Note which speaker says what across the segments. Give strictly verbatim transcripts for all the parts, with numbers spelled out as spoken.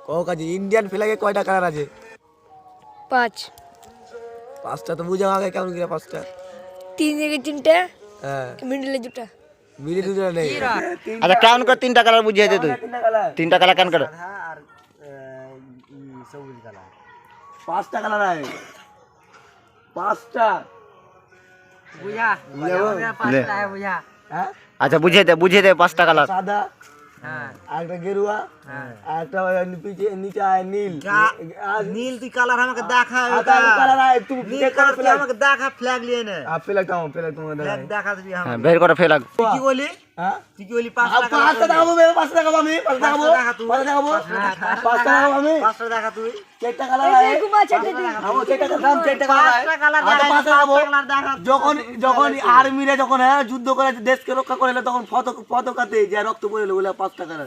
Speaker 1: ও কাজী Indian ফ্ল্যাগে কয়টা colour আছে?
Speaker 2: পাঁচ।
Speaker 1: পাঁচটা তো বুঝাও আগে কেমন করে পাঁচটা?
Speaker 2: তিন দিকে তিনটা,
Speaker 1: হ্যাঁ
Speaker 2: মিডলে দুটা।
Speaker 1: মিলি দুটো নেই।
Speaker 3: আচ্ছা কেমন করে তিনটা কালার বুঝিয়ে দে তুই।
Speaker 1: তিনটা কালার,
Speaker 3: তিনটা কালার কেন করে?
Speaker 1: পাঁচটা কালার আছে, পাঁচটা
Speaker 4: বুঝা
Speaker 1: বুঝাবো?
Speaker 4: পাঁচটা है बुझा।
Speaker 1: হ্যাঁ
Speaker 3: আচ্ছা বুঝিয়ে দে বুঝিয়ে দে পাঁচটা কালার।
Speaker 1: সাদা,
Speaker 4: হ্যাঁ
Speaker 1: আর একটা গেরুয়া, আর একটা নিচে নিচে আয় নীল। আর
Speaker 4: নীল তুই কালার আমাকে দেখা
Speaker 1: আর একটা কালার আছে তুমি
Speaker 4: নীল কালার তুই আমাকে দেখা ফ্ল্যাগ নিয়ে নে
Speaker 1: আর ফ্ল্যাগ দাও, ফ্ল্যাগ তোমার দাও।
Speaker 4: ফ্ল্যাগ দেখা তুই
Speaker 3: হ্যাঁ
Speaker 4: আমাকে
Speaker 3: বের করে ফেলা।
Speaker 4: তুই কি বলি
Speaker 1: হ্যাঁ
Speaker 4: তুই কি বলি
Speaker 1: আর
Speaker 4: পাঁচটা
Speaker 1: পাঁচটা দেখাবো বে, পাঁচটা দেখাবো আমি, পাঁচটা দেখাবো,
Speaker 4: দেখা তুই।
Speaker 1: পাঁচটা দেখাবো, পাঁচটা দেখাবো আমি।
Speaker 4: পাঁচটা দেখা তুই
Speaker 1: চারটা কালার আছে,
Speaker 2: ঘুমা চারটে দিন।
Speaker 1: দেখাবো চারটা কালার, চারটা কালার আছে।
Speaker 4: পাঁচটা কালার
Speaker 1: আর তো
Speaker 4: দেখা
Speaker 1: পাঁচটা দেখাবো।
Speaker 4: কালার দেখা
Speaker 1: যখন যখন আর্মিরা যখন হ্যাঁ যুদ্ধ করে দেশকে রক্ষা করে তখন পতাকা পতাকাতে যে রক্ত পড়লো ওগুলা পাঁচটা কালার।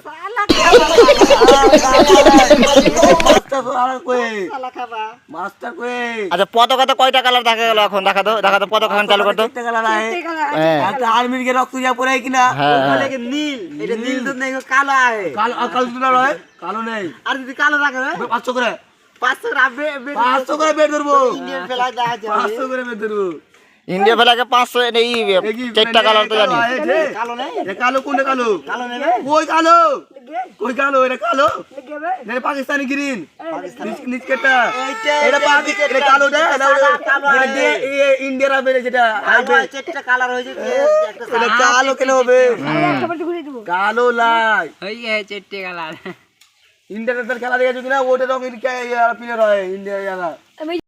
Speaker 1: পাঁচটা কালার কই?
Speaker 4: শালা খাবা
Speaker 1: মাস্টার কই?
Speaker 3: আচ্ছা পতাকাতে কয়টা কালার দেখা গেল এখন? দেখা তো দেখা তো পতাকা এখন চালু করতো।
Speaker 1: চারটা কালার আছে।
Speaker 3: হ্যাঁ
Speaker 1: একটা আর্মির কে রক্ত যা পড়ে কিনা?
Speaker 3: হ্যাঁ
Speaker 4: বলে কি নীল এটা নীল তো নেই কালো আছে
Speaker 1: কালো আর কালো দুটো নয়, কালো নেই।
Speaker 4: আর যদি কালো রাখবে
Speaker 1: পাঁচশো করে,
Speaker 4: পাঁচশো রাখবে
Speaker 1: পাঁচশো করে বের করবো,
Speaker 4: ইন্ডিয়ান ফ্ল্যাগ দেখা যাবে
Speaker 1: পাঁচশো করে বের করবো।
Speaker 3: ইন্ডিয়া ফেলাকে পাঁচশো এই চারটা কালার তো জানি।
Speaker 4: কালো নেই
Speaker 1: এটা কালো কোনটা কালো?
Speaker 4: কালো নেবে
Speaker 1: কই কালো? কই কালো? এটা কালো? এটা পাকিস্তানি গ্রিন। নিচকেটা এটা পাকি এটা কালো না? এটা দিয়ে ইন্ডিয়ার হবে যেটা আইবে।
Speaker 4: চারটা কালার হয়েছে একটা
Speaker 1: এটা কালো কেন হবে?
Speaker 2: একটা বাটি ঘুরিয়ে দেবো।
Speaker 1: কালো লাই।
Speaker 4: হয়ে গেছে চারটে কালার
Speaker 1: ইন্ডিয়ার খেলা দেখেছো কিনা? ওটা রঙের প্লেয়ার হয় ইন্ডিয়া।
Speaker 2: আমি